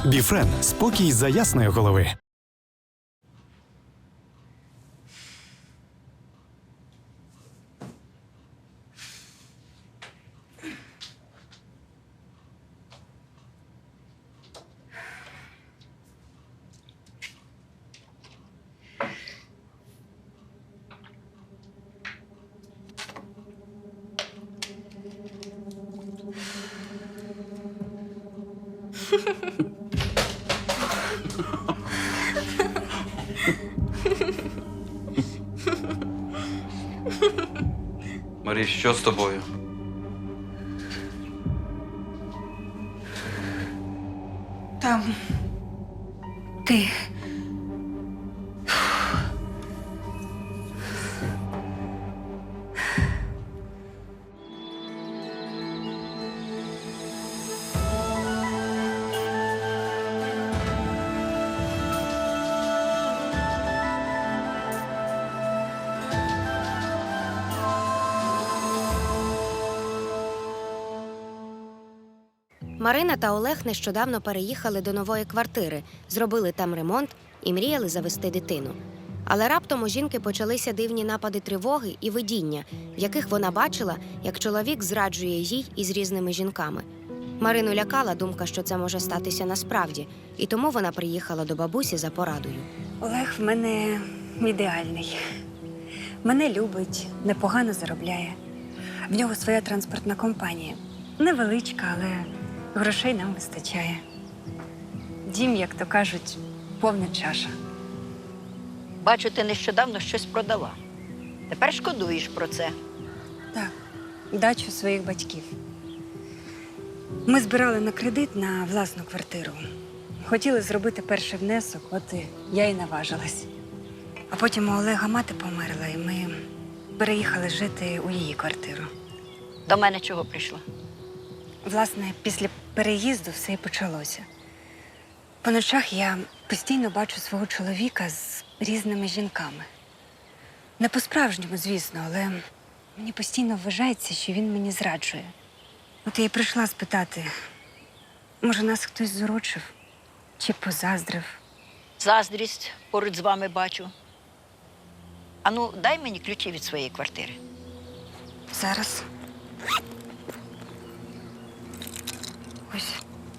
Біфрен – спокій за ясної голови. Маріш, що з тобою? Там ти. Марина та Олег нещодавно переїхали до нової квартири, зробили там ремонт і мріяли завести дитину. Але раптом у жінки почалися дивні напади тривоги і видіння, в яких вона бачила, як чоловік зраджує їй із різними жінками. Марину лякала думка, що це може статися насправді, і тому вона приїхала до бабусі за порадою. Олег в мене ідеальний. Мене любить, непогано заробляє. В нього своя транспортна компанія. Невеличка, але грошей нам вистачає. Дім, як то кажуть, повна чаша. Бачу, ти нещодавно щось продала. Тепер шкодуєш про це. Так, дачу своїх батьків. Ми збирали на кредит на власну квартиру. Хотіли зробити перший внесок, от я і наважилась. А потім у Олега мати померла, і ми переїхали жити у її квартиру. До мене чого прийшла? Власне, після переїзду все і почалося. По ночах я постійно бачу свого чоловіка з різними жінками. Не по-справжньому, звісно, але мені постійно вважається, що він мені зраджує. От я й прийшла спитати, може, нас хтось зурочив чи позаздрив. Заздрість поруч з вами бачу. Ану, дай мені ключі від своєї квартири. Зараз. Ось.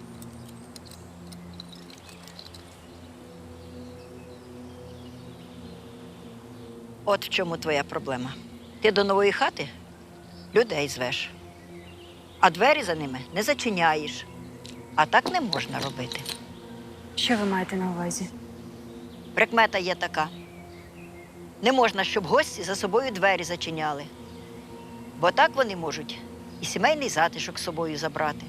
От в чому твоя проблема. Ти до нової хати людей звеш, а двері за ними не зачиняєш. А так не можна робити. Що ви маєте на увазі? Прикмета є така. Не можна, щоб гості за собою двері зачиняли. Бо так вони можуть і сімейний затишок з собою забрати.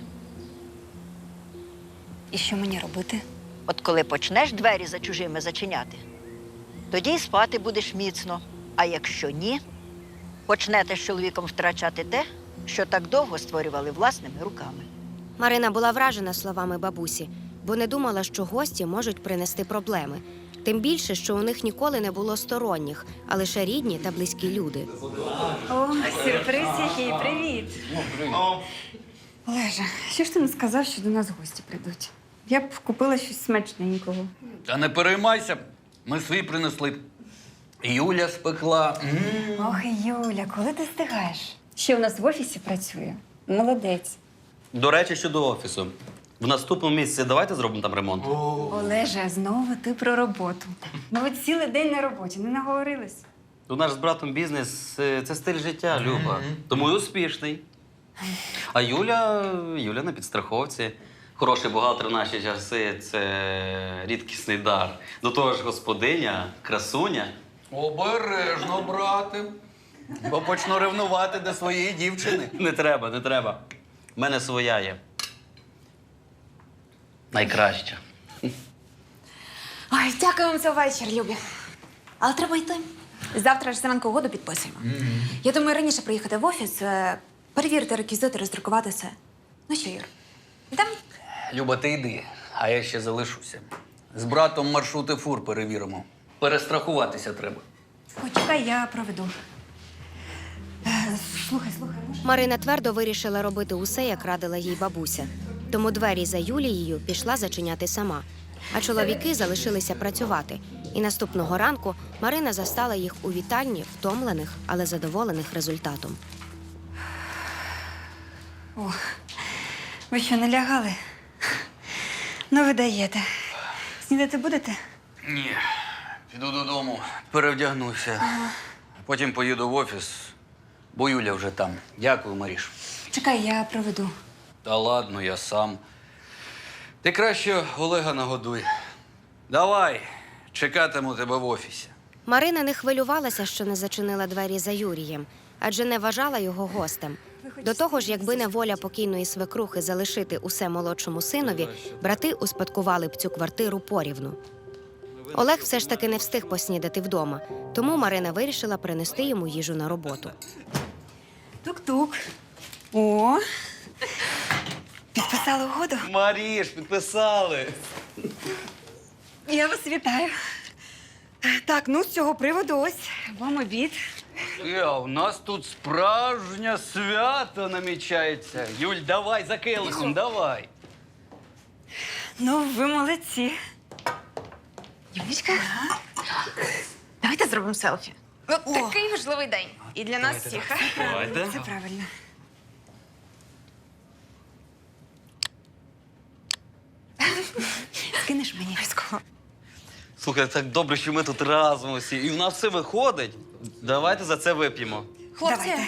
І що мені робити? От коли почнеш двері за чужими зачиняти, тоді й спати будеш міцно. А якщо ні, почнете з чоловіком втрачати те, що так довго створювали власними руками. Марина була вражена словами бабусі, бо не думала, що гості можуть принести проблеми. Тим більше, що у них ніколи не було сторонніх, а лише рідні та близькі люди. О, сюрприз який, привіт. Олеже, що ж ти не сказав, що до нас гості прийдуть? Я б купила щось смачненького. Та не переймайся, ми свій принесли. Юля спекла. Ох, Юля, коли ти встигаєш? Ще у нас в офісі працює. Молодець. До речі, щодо офісу. В наступному місяці давайте зробимо там ремонт. Олеже, знову ти про роботу. Ну ви цілий день на роботі, не наговорились? У нас з братом бізнес це стиль життя, Люба. Тому і успішний. А Юля на підстраховці. Хороший бухгалтер в наші часи це рідкісний дар. До того ж, господиня, красуня. Обережно, брате. Бо почну ревнувати до своєї дівчини. Не треба, не треба. У мене своя є. Найкраща. Ой, дякую вам за вечір, любі. Але треба йти. Завтра ж зранку угоду підписуємо. Я думаю, раніше приїхати в офіс, перевірити реквізити, роздрукувати все. Ну що, Юр, йдемо? Люба, ти йди, а я ще залишуся. З братом маршрути фур перевіримо. Перестрахуватися треба. Почекай, я проведу. Слухай, може? Марина твердо вирішила робити усе, як радила їй бабуся. Тому двері за Юлією пішла зачиняти сама. А чоловіки залишилися працювати. І наступного ранку Марина застала їх у вітальні, втомлених, але задоволених результатом. Ви що, не лягали? Ну, ви даєте. Снідати будете? Ні. Піду додому, перевдягнуся. Потім поїду в офіс, бо Юля вже там. Дякую, Маріш. Чекай, я проведу. Та ладно, я сам. Ти краще Олега нагодуй. Давай, чекатиму тебе в офісі. Марина не хвилювалася, що не зачинила двері за Юрієм, адже не вважала його гостем. До того ж, якби не воля покійної свекрухи залишити усе молодшому синові, брати успадкували б цю квартиру порівну. Олег все ж таки не встиг поснідати вдома, тому Марина вирішила принести йому їжу на роботу. Тук-тук. О, підписали угоду? Маріш, підписали. Я вас вітаю. Так, ну, з цього приводу ось вам обід. У нас тут справжнє свято намічається. Юль, давай за келихом, давай. Ну, ви молодці. Юлічка, давайте зробимо селфі. Такий важливий день. І для нас всіх. Це правильно. Скинеш мені? Слухай, так добре, що ми тут разом усі. І в нас все виходить. Давайте за це вип'ємо. Хлопці, Давайте.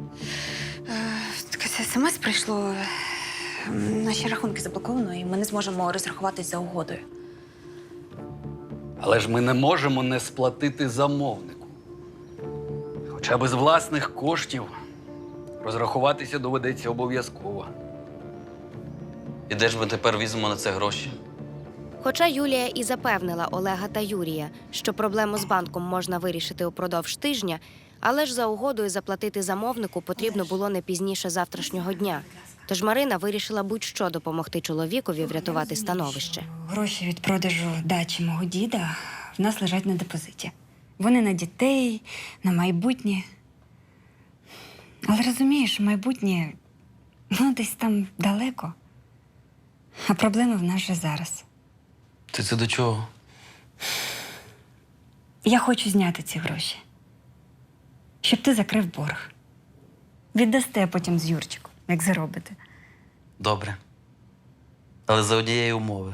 таке смс прийшло. Наші рахунки заблоковано, і ми не зможемо розрахуватись за угодою. Але ж ми не можемо не сплатити замовнику. Хоча б з власних коштів розрахуватися доведеться обов'язково. І де ж ми тепер візьмемо на це гроші? Хоча Юлія і запевнила Олега та Юрія, що проблему з банком можна вирішити упродовж тижня, але ж за угодою заплатити замовнику потрібно було не пізніше завтрашнього дня. Тож Марина вирішила будь-що допомогти чоловікові врятувати становище. Гроші від продажу дачі мого діда в нас лежать на депозиті. Вони на дітей, на майбутнє. Але розумієш, майбутнє, ну, десь там далеко. А проблеми в нас же зараз. Ти це до чого? Я хочу зняти ці гроші. Щоб ти закрив борг. Віддасте потім з Юрчиком, як заробите. Добре. Але за однієї умови.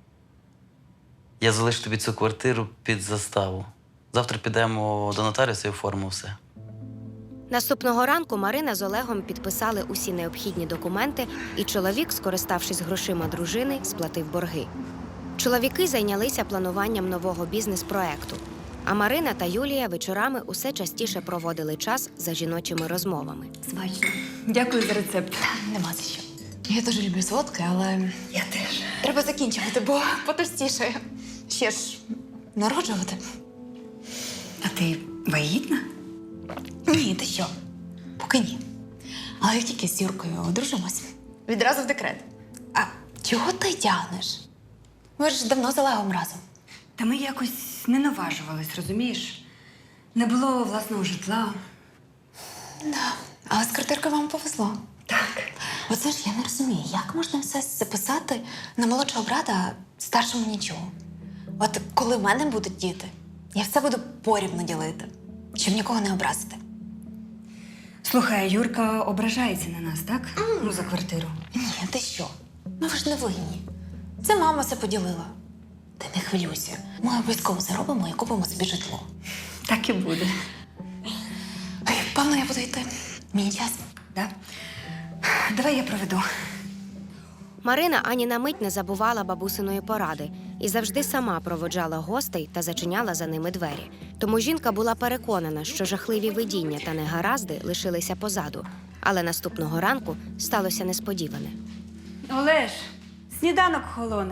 Я залишу тобі цю квартиру під заставу. Завтра підемо до нотаріуса і оформимо все. Наступного ранку Марина з Олегом підписали усі необхідні документи, і чоловік, скориставшись грошима дружини, сплатив борги. Чоловіки зайнялися плануванням нового бізнес-проекту, а Марина та Юлія вечорами усе частіше проводили час за жіночими розмовами. Смачно. Дякую за рецепт. Нема за що. Я дуже люблю солодке, але Я теж. треба закінчувати, бо потовстішає. Ще ж народжувати. А ти вагітна? Ні, ти що? Поки ні. Але як тільки з Юркою одружимось, відразу в декрет. А чого ти тягнеш? Ми ж давно з Олегом разом. Та ми якось не наважувались, розумієш? Не було власного житла. Да. Але з квартиркою вам повезло. Так. Оце ж я не розумію, як можна все записати на молодшого брата, а старшому нічого. От коли в мене будуть діти, я все буду порівну ділити, щоб нікого не образити. Слухай, Юрка ображається на нас, так? Ну, за квартиру. Ні, ти що? Ну ви ж не винні. Це мама все поділила. Ти не хвилюйся. Ми обов'язково заробимо і купимо собі житло. Так і буде. Ой, певно, я буду йти. Мені час. Да? Давай я проведу. Марина ані на мить не забувала бабусиної поради і завжди сама проводжала гостей та зачиняла за ними двері. Тому жінка була переконана, що жахливі видіння та негаразди лишилися позаду. Але наступного ранку сталося несподіване. Олеж, сніданок холоне.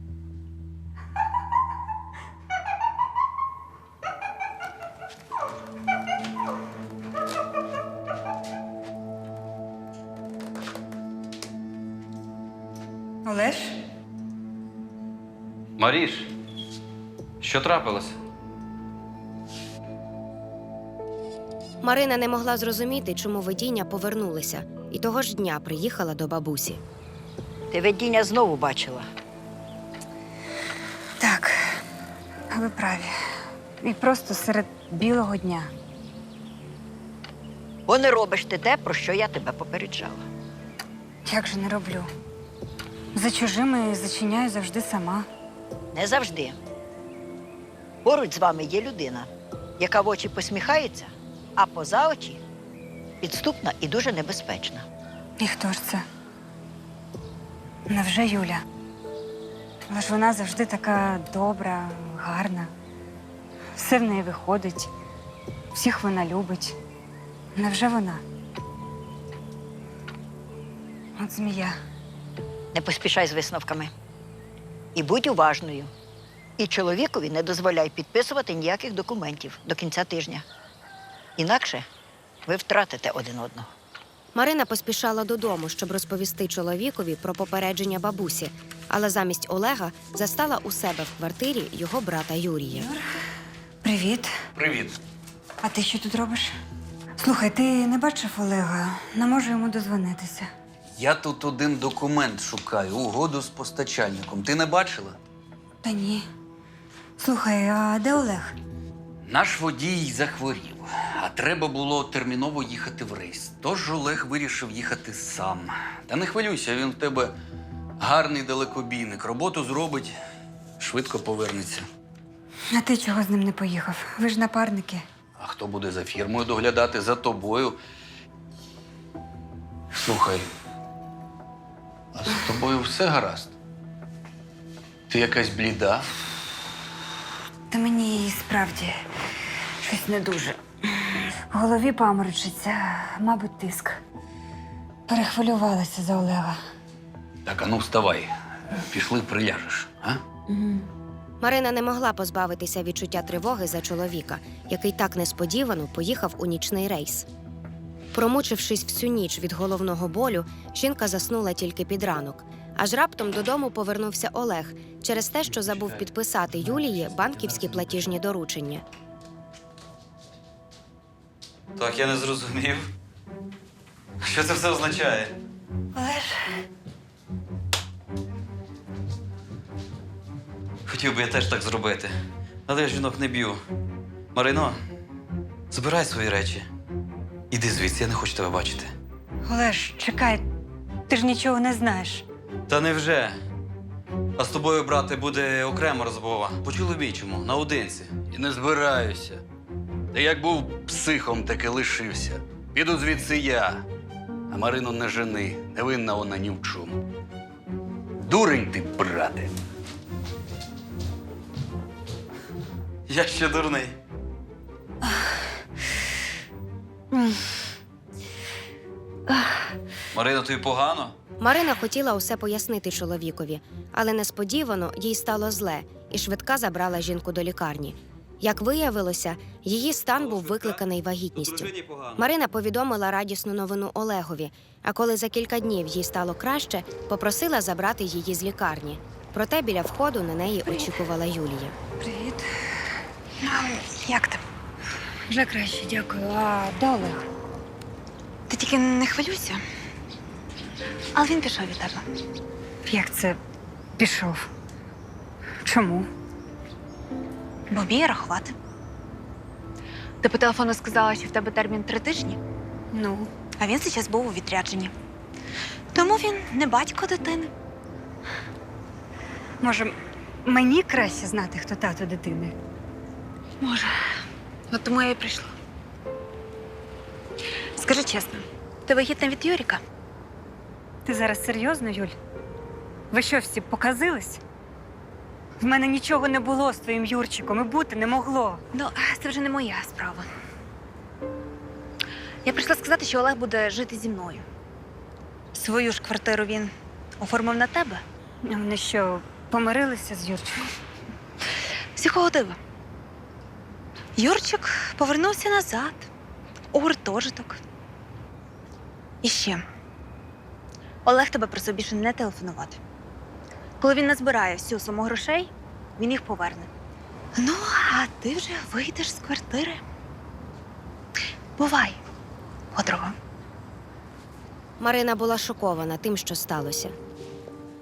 Олеж? Маріш, що трапилося? Марина не могла зрозуміти, чому видіння повернулися, і того ж дня приїхала до бабусі. Ти видіння знову бачила. Так, ви праві. І просто серед білого дня. Бо не робиш ти те, про що я тебе попереджала. Як же не роблю? За чужими зачиняю завжди сама. Не завжди. Поруч з вами є людина, яка в очі посміхається, а поза очі підступна і дуже небезпечна. І хто ж це? Невже Юля? Але ж вона завжди така добра, гарна. Все в неї виходить. Всіх вона любить. Невже вона? От змія. Не поспішай з висновками. І будь уважною. І чоловікові не дозволяй підписувати ніяких документів до кінця тижня. Інакше ви втратите один одного. Марина поспішала додому, щоб розповісти чоловікові про попередження бабусі, але замість Олега застала у себе в квартирі його брата Юрія. Привіт. Привіт. А ти що тут робиш? Слухай, ти не бачив Олега? Не можу йому дозвонитися. Я тут один документ шукаю, угоду з постачальником. Ти не бачила? Та ні. Слухай, а де Олег? Наш водій захворів, а треба було терміново їхати в рейс. Тож Олег вирішив їхати сам. Та не хвилюйся, він в тебе гарний далекобійник. Роботу зробить, швидко повернеться. А ти чого з ним не поїхав? Ви ж напарники. А хто буде за фірмою доглядати? За тобою. Слухай, а з тобою все гаразд? Ти якась бліда? Та мені і справді щось не дуже. В голові паморочиться, мабуть, тиск. Перехвилювалася за Олега. Так, а ну вставай. Пішли, приляжеш, а? Марина не могла позбавитися відчуття тривоги за чоловіка, який так несподівано поїхав у нічний рейс. Промучившись всю ніч від головного болю, жінка заснула тільки під ранок. Аж раптом додому повернувся Олег через те, що забув підписати Юлії банківські платіжні доручення. Так, я не зрозумів. Що це все означає? Олеж, Хотів би я теж так зробити. Але я жінок не б'ю. Марино, збирай свої речі. Іди звідси, я не хочу тебе бачити. Олеж, чекай, ти ж нічого не знаєш. Та невже? А з тобою, брате, буде окрема розмова. По-чоловічому, наодинці. І не збираюся. Та як був психом, так і лишився. Піду звідси я. А Марину не жени, не винна вона ні в чому. Дурень ти, брате. Я ще дурний. Марина, тобі погано? Марина хотіла усе пояснити чоловікові, але несподівано їй стало зле, і швидка забрала жінку до лікарні. Як виявилося, її стан був викликаний вагітністю. Дружині погано. Марина повідомила радісну новину Олегові, а коли за кілька днів їй стало краще, попросила забрати її з лікарні. Проте біля входу на неї очікувала Юлія. Привіт. Як ти? Вже краще, дякую. А де Олег? Ти тільки не хвилюйся. Але він пішов від тебе. Як це пішов? Чому? Бо вміє рахувати. Ти по телефону сказала, що в тебе термін 3 тижні, Ну, а він зараз був у відрядженні. Тому він не батько дитини. може, мені краще знати, хто тато дитини? Може. От тому я і прийшла. Скажи чесно, ти вагітна від Юріка? Ти зараз серйозно, Юль? Ви що, всі показились? В мене нічого не було з твоїм Юрчиком і бути не могло. Ну, це вже не моя справа. Я прийшла сказати, що Олег буде жити зі мною. Свою ж квартиру він оформив на тебе. А вони що, помирилися з Юрчиком? З якого дива? Юрчик повернувся назад у гуртожиток. І ще. Олег тебе просив більше не телефонувати. Коли він назбирає всю суму грошей, він їх поверне. Ну, а ти вже вийдеш з квартири. Бувай, подруга. Марина була шокована тим, що сталося.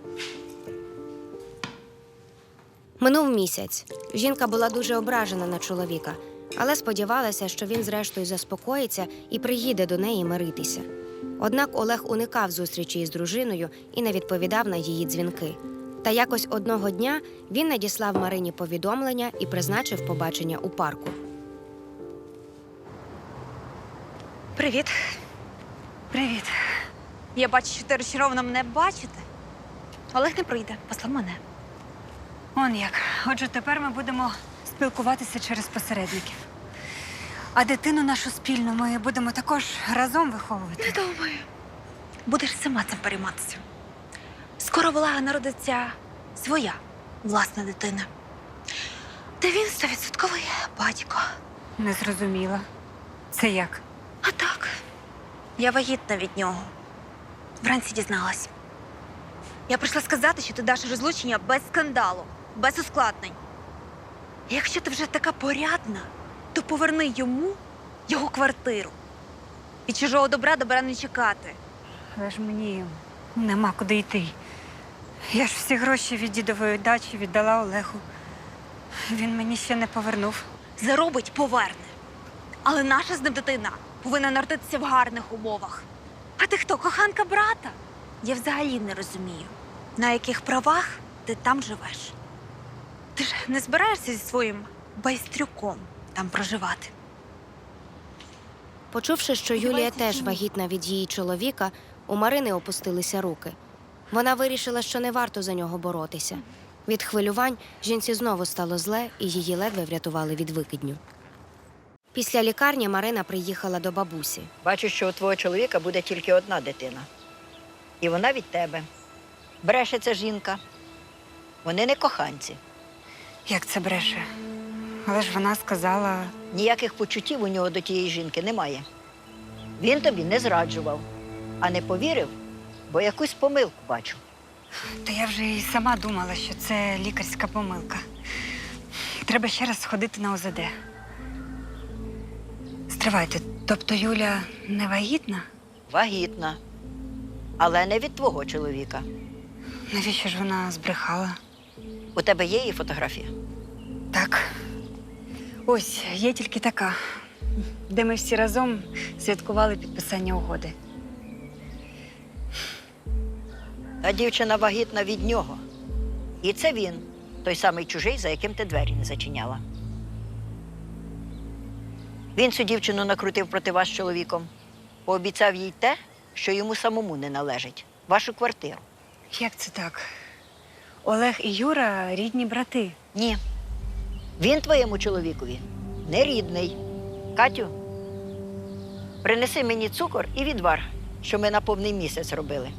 Минув місяць. Жінка була дуже ображена на чоловіка, але сподівалася, що він зрештою заспокоїться і приїде до неї миритися. Однак Олег уникав зустрічі із дружиною і не відповідав на її дзвінки. Та якось одного дня він надіслав Марині повідомлення і призначив побачення у парку. Привіт. Привіт. Я бачу, що ти розчарована мене бачити. Олег не прийде, послав мене. Он як. Отже, тепер ми будемо спілкуватися через посередників. А дитину нашу спільну ми будемо також разом виховувати. Не думаю. Будеш сама цим перейматися. Скоро в Олега народиться своя власна дитина. Та він 100% батько. Не зрозуміла. Це як? А так, я вагітна від нього. Вранці дізналась. Я прийшла сказати, що ти даш розлучення без скандалу, без ускладнень. І якщо ти вже така порядна, то поверни йому його квартиру. Від чужого добра не чекати. Але ж мені нема куди йти. Я ж всі гроші від дідової дачі віддала Олегу. Він мені ще не повернув. Заробить – поверне. Але наша з ним дитина повинна народитися в гарних умовах. А ти хто, коханка брата? Я взагалі не розумію, на яких правах ти там живеш. Ти ж не збираєшся зі своїм байстрюком там проживати. Почувши, що Юлія теж вагітна від її чоловіка, у Марини опустилися руки. Вона вирішила, що не варто за нього боротися. Від хвилювань жінці знову стало зле, і її ледве врятували від викидню. Після лікарні Марина приїхала до бабусі. Бачу, що у твого чоловіка буде тільки одна дитина. І вона від тебе. Бреше ця жінка. Вони не коханці. Як це бреше? Але ж вона сказала, Ніяких почуттів у нього до тієї жінки немає. Він тобі не зраджував, а не повірив, бо якусь помилку бачу. та я вже і сама думала, що це лікарська помилка. Треба ще раз сходити на ОЗД. Стривайте, тобто Юля не вагітна? Вагітна. Але не від твого чоловіка. Навіщо ж вона збрехала? У тебе є її фотографія? Так. Ось, є тільки така, де ми всі разом святкували підписання угоди. А дівчина вагітна від нього. І це він, той самий чужий, за яким ти двері не зачиняла. Він цю дівчину накрутив проти вас з чоловіком. Пообіцяв їй те, що йому самому не належить – вашу квартиру. Як це так? Олег і Юра – рідні брати. Ні. Він твоєму чоловікові не рідний. Катю, принеси мені цукор і відвар, що ми на повний місяць робили.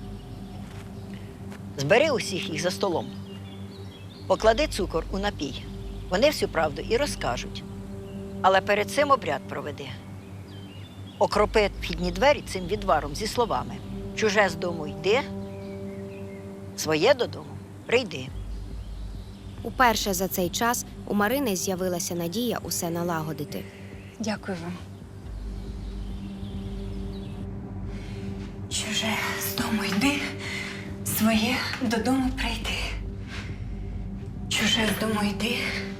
Збери усіх їх за столом. Поклади цукор у напій. Вони всю правду і розкажуть. Але перед цим обряд проведи. Окропи вхідні двері цим відваром зі словами: чуже з дому йди, своє додому прийди. Уперше за цей час у Марини з'явилася надія усе налагодити. Дякую вам. Чуже з дому йди, своє додому прийди. Чуже з дому йди,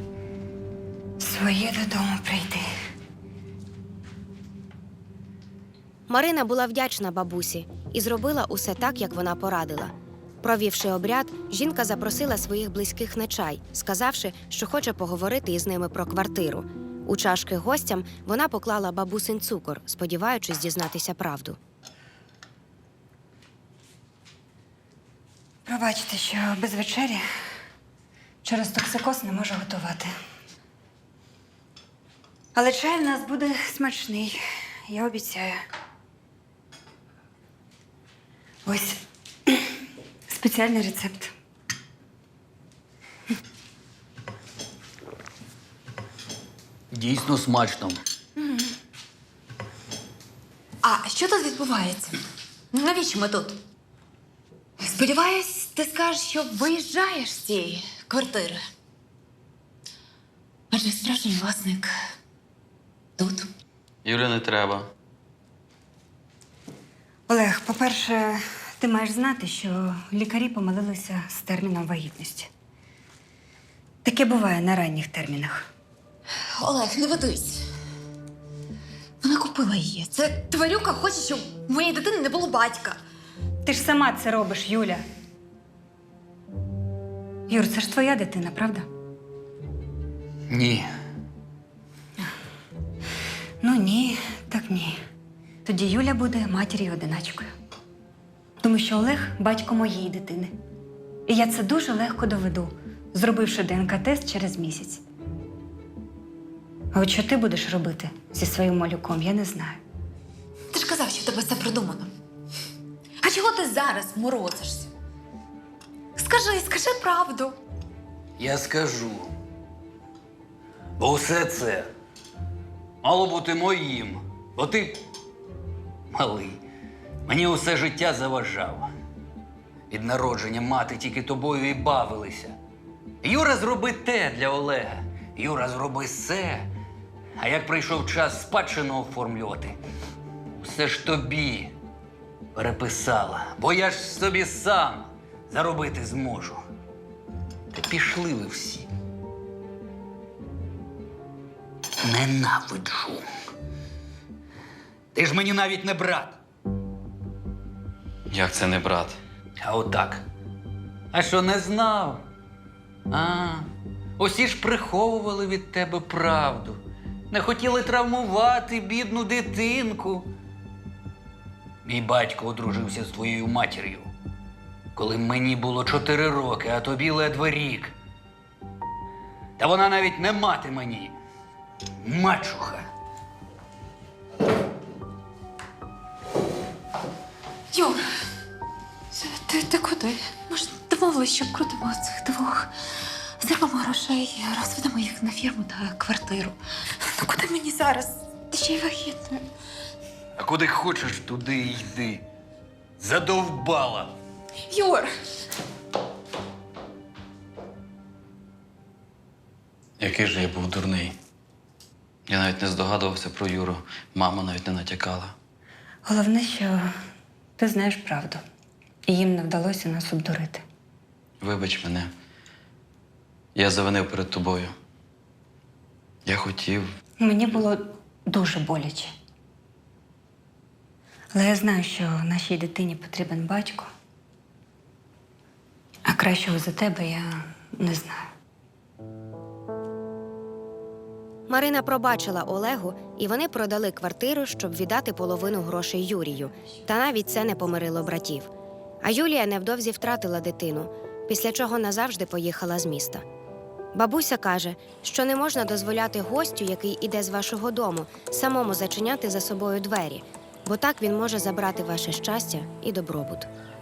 своє додому прийди. Марина була вдячна бабусі і зробила усе так, як вона порадила. Провівши обряд, жінка запросила своїх близьких на чай, сказавши, що хоче поговорити із ними про квартиру. У чашки гостям вона поклала бабусин цукор, сподіваючись дізнатися правду. Пробачте, що без вечері через токсикоз не можу готувати. Але чай в нас буде смачний, я обіцяю. Ось спеціальний рецепт. Дійсно смачно. А що тут відбувається? Навіщо ми тут? Сподіваюсь, ти скажеш, що виїжджаєш з цієї квартири. Адже справжній власник тут. Юля, не треба. Олег, по-перше, ти маєш знати, що лікарі помилилися з терміном вагітності. Таке буває на ранніх термінах. Олег, не ведись. Вона купила її. Це тварюка хоче, щоб у моєї дитини не було батька. Ти ж сама це робиш, Юля. Юр, це ж твоя дитина, правда? Ні. Ну ні, так ні. Тоді Юля буде матір'ю-одиначкою. Тому що Олег батько моєї дитини. І я це дуже легко доведу, зробивши ДНК-тест через місяць. А от що ти будеш робити зі своїм малюком, я не знаю. Ти ж казав, що в тебе все продумано. А чого ти зараз морозишся? Скажи правду. Я скажу. Бо все це мало бути моїм. Бо ти, малий, мені усе життя заважав. Від народження мати тільки тобою і бавилися. Юра, зроби те для Олега. Юра, зроби все. А як прийшов час спадщину оформлювати, все ж тобі переписала. Бо я ж собі сам заробити зможу. Та пішли ви всі. Ненавиджу. Ти ж мені навіть не брат. Як це не брат? А отак. А що, не знав? Усі ж приховували від тебе правду. Не хотіли травмувати бідну дитинку. Мій батько одружився з твоєю матір'ю, коли мені було 4 роки, а тобі ледве рік. Та вона навіть не мати мені. Мачуха. Юр, ти куди? Ми ж домовились, що крутимо цих двох. Зробимо грошей, розведемо їх на фірму та квартиру. Ну куди мені зараз? Ти ще й вагітна. А куди хочеш, туди й йди. Задовбала. Юр! Який же я був дурний. Я навіть не здогадувався про Юру. Мама навіть не натякала. Головне, що ти знаєш правду. І їм не вдалося нас обдурити. Вибач мене. Я завинив перед тобою. Я хотів. Мені було дуже боляче. Але я знаю, що нашій дитині потрібен батько. А кращого за тебе я не знаю. Марина пробачила Олегу, і вони продали квартиру, щоб віддати половину грошей Юрію. Та навіть це не помирило братів. А Юлія невдовзі втратила дитину, після чого назавжди поїхала з міста. Бабуся каже, що не можна дозволяти гостю, який іде з вашого дому, самому зачиняти за собою двері, бо так він може забрати ваше щастя і добробут.